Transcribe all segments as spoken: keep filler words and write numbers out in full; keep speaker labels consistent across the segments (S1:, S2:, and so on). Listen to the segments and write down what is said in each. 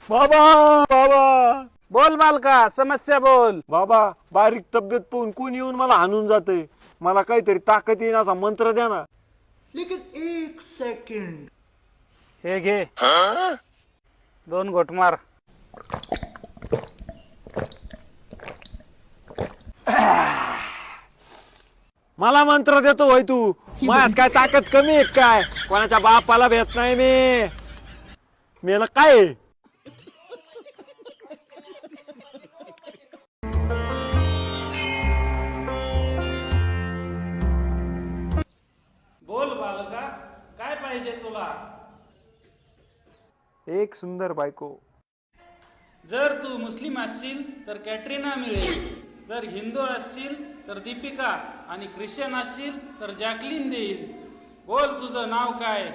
S1: बाबा बाबा
S2: बोल बालका, समस्या बोल.
S1: बाबा बारीक तब्येत पाहून कोण येऊन मला हाणून जाते. मला काहीतरी ताकद येईन असा मंत्र द्या ना.
S3: लेकिन एक सेकंड.
S2: हे घे, दोन घोट मार.
S1: मला मंत्र देतो होय तू? माझ्यात काय ताकद कमी आहे काय? कोणाच्या बापाला भेट नाही मी. मेला काय आहे?
S2: बोल बालका, काय पाहिजे तुला?
S1: एक सुंदर बायको.
S2: जर तू मुस्लिम असशील तर कॅटरीना मिळेल, जर हिंदू असशील तर दीपिका, आणि ख्रिश्चन असशील तर जॅकलिन देईल. बोल, तुझं नाव काय?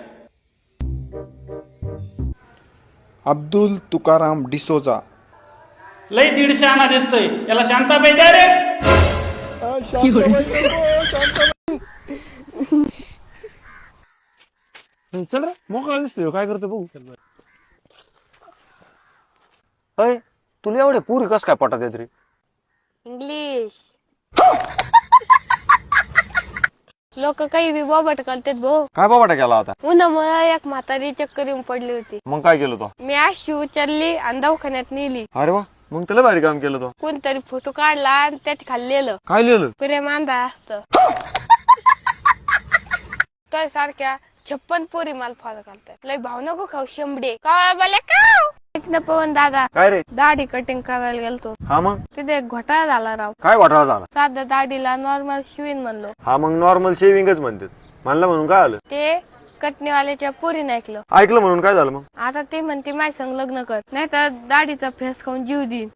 S4: अब्दुल तुकाराम डिसोजा.
S2: लय दीडशे आणा दिसतोय, याला शांताबाई द्या रे.
S1: चल रे, मोकळा दिसतोय. काय करतो बघू. अय, तुला एवढे पुरी कस काय पटात येत रे?
S5: इंग्लिश. लोक काही बी बोबट करतात भाऊ.
S1: काय बाबा केला होता?
S5: उन्हामुळे एक म्हातारी चक्कर येऊन पडली होती.
S1: मग काय केलं तो?
S5: मी अशी उचलली आणि दवाखान्यात नेली.
S1: अरे वा, मग त्याला भारी काम केलं तो.
S5: कोणतरी फोटो काढला आणि त्यात खाल्लेलं
S1: काय लिहिलं?
S5: प्रेम अंधा असत. तर सारख्या छप्पन पोरी माल फॉलो करतात. लय भाव नको खाऊ शंभडे. का बोले का पवन दादा,
S1: काय रे?
S5: दाढी कटिंग करायला गेलतो.
S1: हा मग
S5: तिथे एक घोटाळा झाला राव.
S1: काय घोटाळा झाला?
S5: साध्या दाढीला नॉर्मल शिवीन म्हणलो.
S1: हा मग नॉर्मल शेविंगच म्हणतात. म्हणलं म्हणून काय आलं?
S5: ते कटणीवाल्याच्या पोरीने ऐकलं.
S1: ऐकलं म्हणून काय झालं मग?
S5: आता ते म्हणते माझ्या संग लग्न कर, नाही तर दाढीचा फेस खाऊन जीव देईन.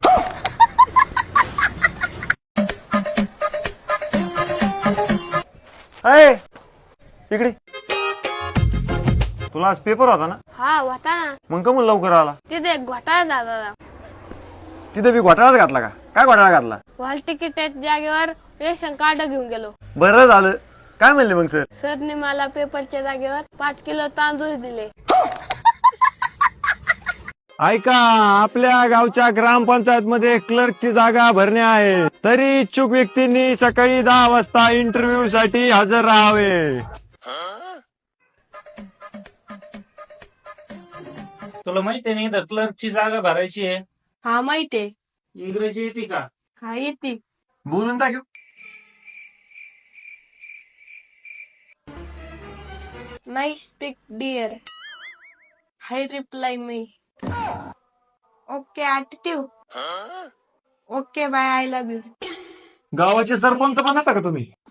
S1: अय, इकडे. तुला आज पेपर होता ना?
S5: हा होता ना.
S1: मग का म्हणून लवकर आला?
S5: तिथे एक घोटाळा झाला राव.
S1: तिथे बी घोटाळाच घातला का? काय घोटाळा घातला?
S5: हॉल तिकीट जागेवर रेशन कार्ड घेऊन गेलो.
S1: बरं झालं. काय म्हणले मग सर?
S5: सरने मला पेपरच्या जागेवर पाच किलो तांदूळ दिले.
S1: ऐका, आपल्या गावच्या ग्रामपंचायत मध्ये क्लर्कची जागा भरणे आहे. तरी इच्छुक व्यक्तींनी सकाळी दहा वाजता इंटरव्ह्यू साठी हजर राहावे.
S2: तुला माहितीये नाही तर क्लर्कची जागा भरायची आहे.
S5: हा माहितीये.
S2: इंग्रजी येते का?
S5: हा येते.
S1: बोलून टाकू.
S5: Nice speak dear. Hi reply me. Okay attitude. Okay bye, I love you.
S1: गावाचे सरपंच बनता का तुम्ही?